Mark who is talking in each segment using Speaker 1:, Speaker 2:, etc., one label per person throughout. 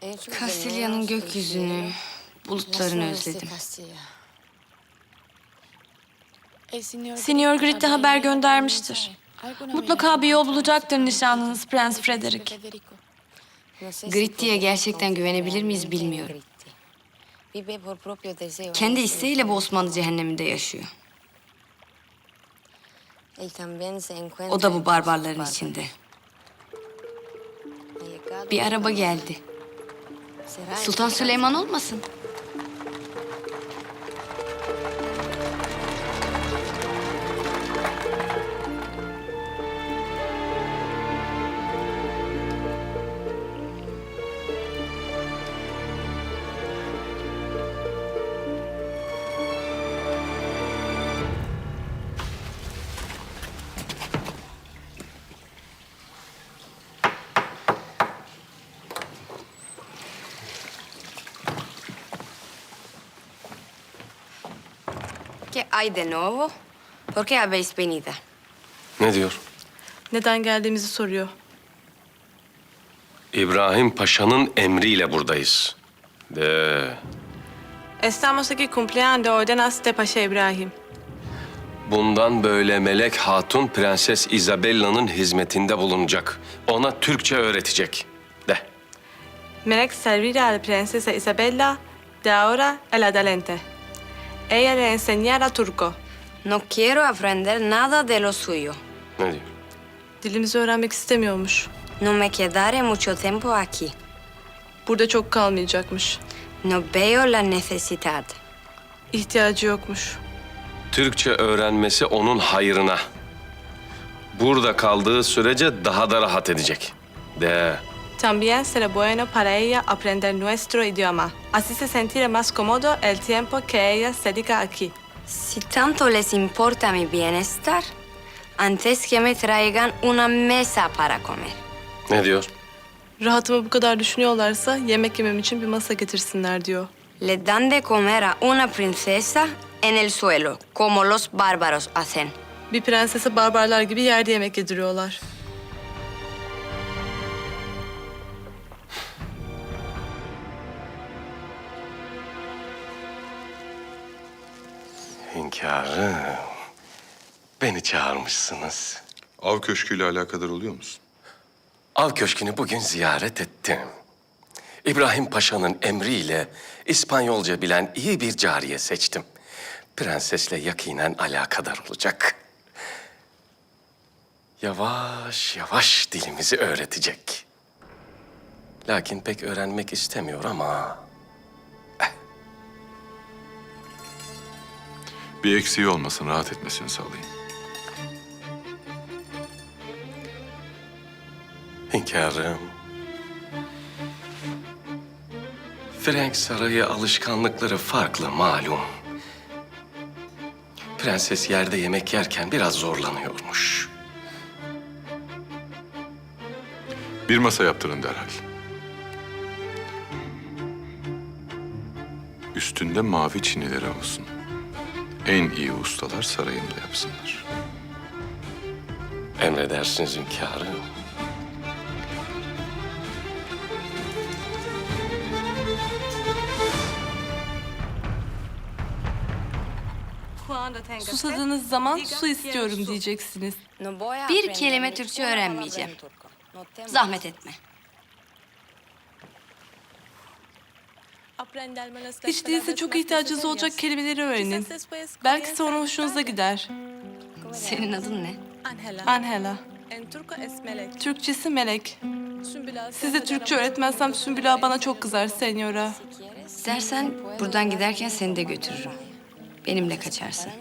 Speaker 1: Kastilya'nın gökyüzünü, bulutlarını özledim.
Speaker 2: Signor Gritti haber göndermiştir. Mutlaka bir yol bulacaktır nişanlınız Prens Frederick.
Speaker 1: Gritti'ye gerçekten güvenebilir miyiz bilmiyorum. Kendi isteğiyle bu Osmanlı cehenneminde yaşıyor. O da bu barbarların içinde. Bir araba geldi. Sultan Süleyman olmasın? ¿Qué hay de nuevo? ¿Por qué habéis venido?
Speaker 3: Ne diyor?
Speaker 2: Neden geldiğimizi soruyor.
Speaker 3: İbrahim Paşa'nın emriyle buradayız. De
Speaker 2: Estamos aquí cumpliendo ordenas de Paşa İbrahim.
Speaker 3: bundan böyle Melek Hatun Prenses Isabella'nın hizmetinde bulunacak. Ona Türkçe öğretecek. De.
Speaker 2: Melek servirá a la princesa Isabella de ahora en adelante. Ella le enseñará turco.
Speaker 1: No quiero aprender nada de lo suyo.
Speaker 3: Ne diyor?
Speaker 2: Dilimizi öğrenmek istemiyormuş.
Speaker 1: No me quedaré mucho tiempo aquí.
Speaker 2: Burada çok kalmayacakmış.
Speaker 1: No veo la necesidad.
Speaker 2: İhtiyacı yokmuş.
Speaker 3: Türkçe öğrenmesi onun hayrına. Burada kaldığı sürece daha da rahat edecek. De.
Speaker 2: También será bueno para ella aprender nuestro idioma. Así se sentirá más cómodo el tiempo que ella se dedica aquí.
Speaker 1: Si tanto les importa mi bienestar, antes que me traigan una mesa para comer.
Speaker 3: Ne diyor?
Speaker 2: Rahatımı bu kadar düşünüyorlarsa yemek yemem için bir masa getirsinler diyor.
Speaker 1: Le dan de comer a una princesa en el suelo, como los bárbaros hacen.
Speaker 2: Bir prensese barbarlar gibi yerde yemek yediriyorlar.
Speaker 3: Hünkârım, beni çağırmışsınız.
Speaker 4: Av köşküyle alakadar oluyor musun?
Speaker 3: Av Köşkü'nü bugün ziyaret ettim. İbrahim Paşa'nın emriyle İspanyolca bilen iyi bir cariye seçtim. Prensesle yakinen alakadar olacak. Yavaş yavaş dilimizi öğretecek. Lakin pek öğrenmek istemiyor ama...
Speaker 4: Bir eksiği olmasın, rahat etmesini sağlayın.
Speaker 3: Hünkârım. Frank Sarayı alışkanlıkları farklı malum. Prenses yerde yemek yerken biraz zorlanıyormuş.
Speaker 4: Bir masa yaptırın derhal. Üstünde mavi çinileri olsun. En iyi ustalar sarayımda yapsınlar.
Speaker 3: Emredersiniz hünkârım.
Speaker 2: Susadığınız zaman su istiyorum diyeceksiniz.
Speaker 1: Bir kelime Türkçe öğrenmeyeceğim. Zahmet etme.
Speaker 2: Hiç değilse çok ihtiyacınız olacak kelimeleri öğrenin. Belki sonra hoşunuza gider.
Speaker 1: Senin adın ne?
Speaker 2: Angela. Türkçesi Melek. Size Türkçe öğretmezsem Sümbüla bana çok kızar senyora.
Speaker 1: İstersen buradan giderken seni de götürürüm. Benimle kaçarsın.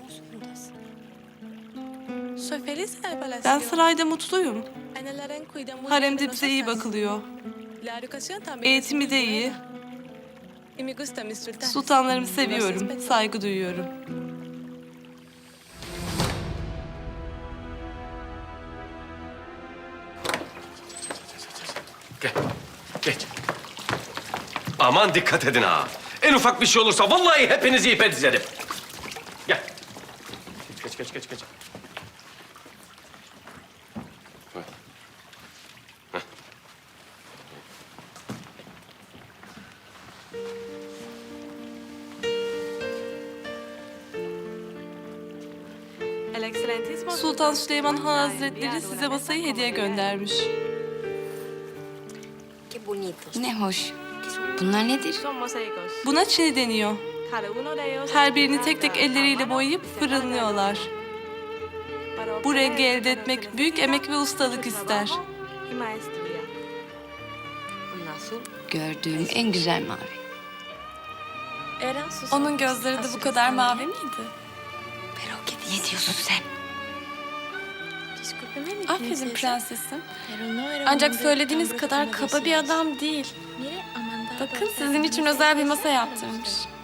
Speaker 2: Ben sarayda mutluyum. Haremde bize iyi bakılıyor. Eğitimi de iyi. Sultanlarımı seviyorum, saygı duyuyorum.
Speaker 3: Gel, geç. Aman dikkat edin ha. En ufak bir şey olursa vallahi hepinizi ipe dizerim. Gel. Geç.
Speaker 2: El Excelentísimo
Speaker 5: Sultan Süleyman Han Hazretleri size masayı hediye göndermiş.
Speaker 1: Qué bonitos. Ne hoş. Bunlar nedir?
Speaker 2: son mosaicos.
Speaker 5: Buna çini deniyor.
Speaker 2: Cada uno de ellos
Speaker 5: Her birini tek tek elleriyle boyayıp fırınlıyorlar. Bu rengi elde etmek büyük emek ve ustalık ister.
Speaker 2: y maestría.
Speaker 1: Gördüğüm en güzel mavi.
Speaker 5: Onun gözleri de bu kadar mavi miydi?
Speaker 1: Pero ¿qué diyorsun sen?
Speaker 5: Aferin prensesim. Ancak söylediğiniz kadar kaba bir adam değil. Bakın sizin için özel bir masa yaptırmış.